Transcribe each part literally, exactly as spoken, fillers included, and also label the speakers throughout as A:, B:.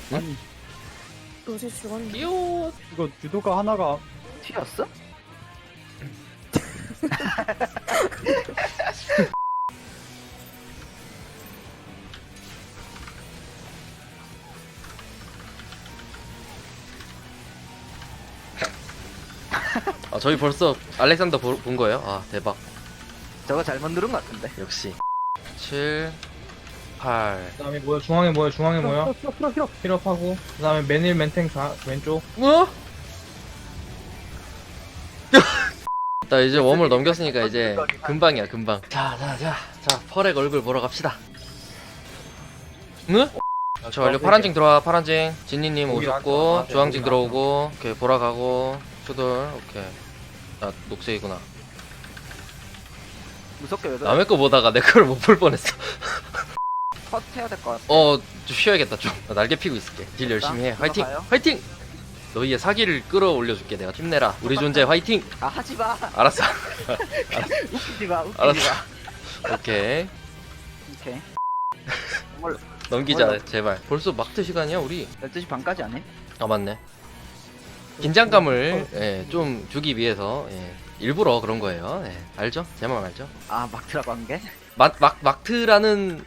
A: 응?
B: 아니
C: 요새 죽었네.
A: 요.
B: 이거 유도가 하나가
D: 튀었어?
A: 아 저희 벌써 알렉산더 보, 본 거예요? 아 대박.
D: 저거 잘못 누른 것 같은데.
A: 역시. 칠, 팔.
E: 그 다음에 뭐야 중앙에 뭐야 중앙에 뭐야
B: 히럽 히럽 히럽
E: 힐업하고 그 다음에 맨일 맨탱 다 왼쪽
A: 어? 나 이제 웜을 넘겼으니까 이제 금방이야 금방. 자자자 자 펄의 얼굴 보러 갑시다. 응? 저 완료. 파란징 들어와. 파란징. 진니님 오셨고 주황징 들어오고 오케이 보라가고 수돌 오케이. 나 녹색이구나.
D: 무섭게 왜 그래?
A: 남의 거 보다가 내 거를 못 볼 뻔했어.
D: 컷 해야 될 것 같아.
A: 어, 좀 쉬어야겠다 좀. 나 날개 피고 있을게. 딜 열심히 해. 화이팅!
D: 들어가요?
A: 화이팅! 너희의 사기를 끌어올려줄게. 내가 힘내라. 우리 존재 화이팅!
D: 아 하지 마.
A: 알았어.
D: 웃기지 마. 웃기지
A: 알았어.
D: 마.
A: 오케이.
D: 오케이. 정말
A: 넘기자
D: 뭐야?
A: 제발. 벌써 막트 시간이야 우리.
D: 열두 시 반까지 안 해?
A: 아 맞네. 긴장감을 예, 좀 주기 위해서 예, 일부러 그런 거예요. 예, 알죠? 제 말 알죠?
D: 아 막트라고 한 게?
A: 막, 막, 막트라는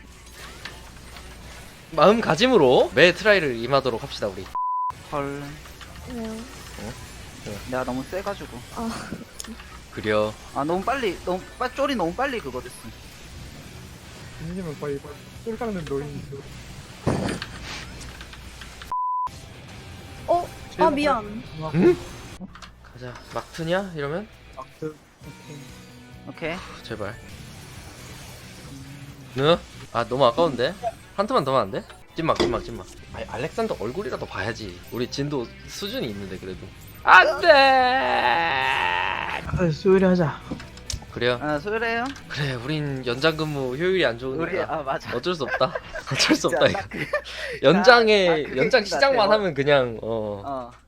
A: 마음가짐으로 매 트라이를 임하도록 합시다 우리.
D: 헐.
C: 네.
D: 내가 너무 세가지고.
A: 그려.
D: 아 너무 빨리 너무 빨 쫄이 너무 빨리 그거 됐어.
B: 이님은 거의 쫄 깎는 노인이죠.
C: 어? 아 미안.
A: 응? 가자. 막트냐? 이러면?
B: 막트
D: 오케이.
A: 제발. 너? 아 너무 아까운데? 한 투만 더 하면 안 돼? 찐막 찐막 찐막. 아니 알렉산더 얼굴이라도 봐야지. 우리 진도 수준이 있는데 그래도. 안돼.
E: 아 수요일에 하자.
A: 그래요.
D: 아 소율해요.
A: 그래 우린 연장 근무 효율이 안 좋으니까
D: 우리 아 맞아.
A: 어쩔 수 없다. 어쩔 수 없다
D: 진짜
A: 이거.
D: 딱 그-
A: 연장에
D: 나 그게
A: 연장
D: 있는 것
A: 시작만
D: 같아요.
A: 하면 그냥 어
D: 어.